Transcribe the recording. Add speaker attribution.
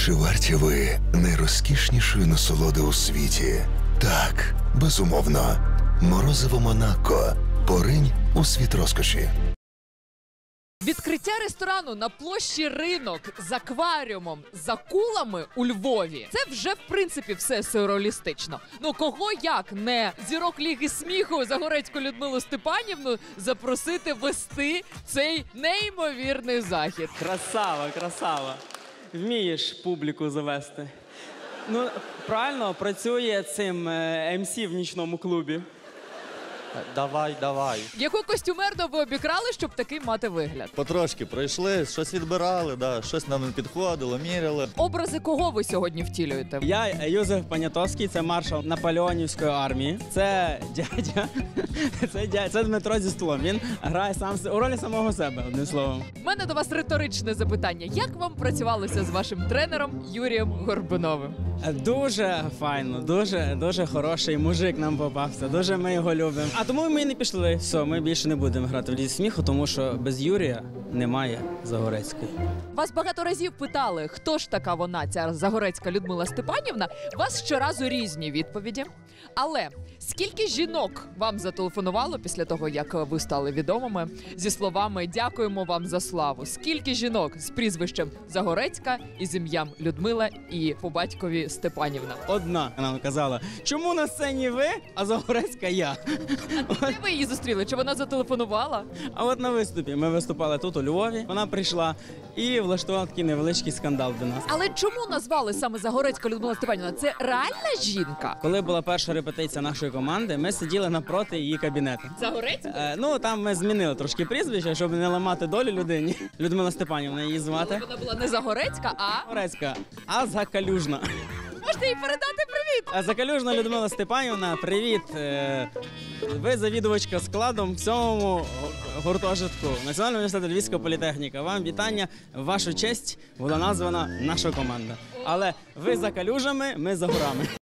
Speaker 1: Чи варті ви найрозкішнішої насолоди у світі? Так, безумовно. Морозиво Монако. Поринь у світ розкоші.
Speaker 2: Відкриття ресторану на площі Ринок з акваріумом, з акулами у Львові – це вже, в принципі, все сюрреалістично. Ну, кого як не зірок Ліги сміху Загорецьку Людмилу Степанівну запросити вести цей неймовірний захід?
Speaker 3: Красава, красава. Вмієш публіку завести. Ну, правильно, працює цим МС в нічному клубі.
Speaker 4: Давай, давай.
Speaker 2: Яку костюмерну ви обікрали, щоб такий мати вигляд?
Speaker 4: Потрошки пройшли, щось відбирали, да, щось нам не підходило, міряли.
Speaker 2: Образи кого ви сьогодні втілюєте?
Speaker 3: Я Юзеф Понятовський, це маршал Наполеонівської армії. Це дядя, це Дмитро зі столом. Він грає сам у ролі самого себе, одним словом.
Speaker 2: У мене до вас риторичне запитання. Як вам працювалося з вашим тренером Юрієм Горбуновим?
Speaker 3: Дуже файно, дуже хороший мужик нам попався, дуже ми його любимо. А тому ми і не пішли. Все, ми більше не будемо грати в Лізі сміху, тому що без Юрія немає Загорецької.
Speaker 2: Вас багато разів питали, хто ж така вона, ця Загорецька Людмила Степанівна. У вас щоразу різні відповіді. Але скільки жінок вам зателефонувало після того, як ви стали відомими, зі словами «Дякуємо вам за славу»? Скільки жінок з прізвищем Загорецька і з ім'ям Людмила і по батькові Степанівна?
Speaker 3: Одна нам казала, чому на сцені ви, а Загорецька я?
Speaker 2: Де ви її зустріли? Чи вона зателефонувала?
Speaker 3: А от на виступі. Ми виступали тут, у Львові. Вона прийшла і влаштувала такий невеличкий скандал до нас.
Speaker 2: Але чому назвали саме Загорецька Людмила Степанівна? Це реальна жінка?
Speaker 3: Коли була перша репетиція нашої команди, ми сиділи напроти її кабінету.
Speaker 2: Загорецька?
Speaker 3: Ну, там ми змінили трошки прізвище, щоб не ламати долю людині. Людмила Степанівна її звати.
Speaker 2: Вона була не Загорецька, а...
Speaker 3: Загорецька, а Закалюжна.
Speaker 2: Можете їй передати привіт?
Speaker 3: Закалюжна Людмила Степанівна, привіт. Ви завідувачка складом в 7-му гуртожитку Національного університету Львівська політехніка. Вам вітання. В вашу честь була названа наша команда. Але ви за калюжами, ми за горами.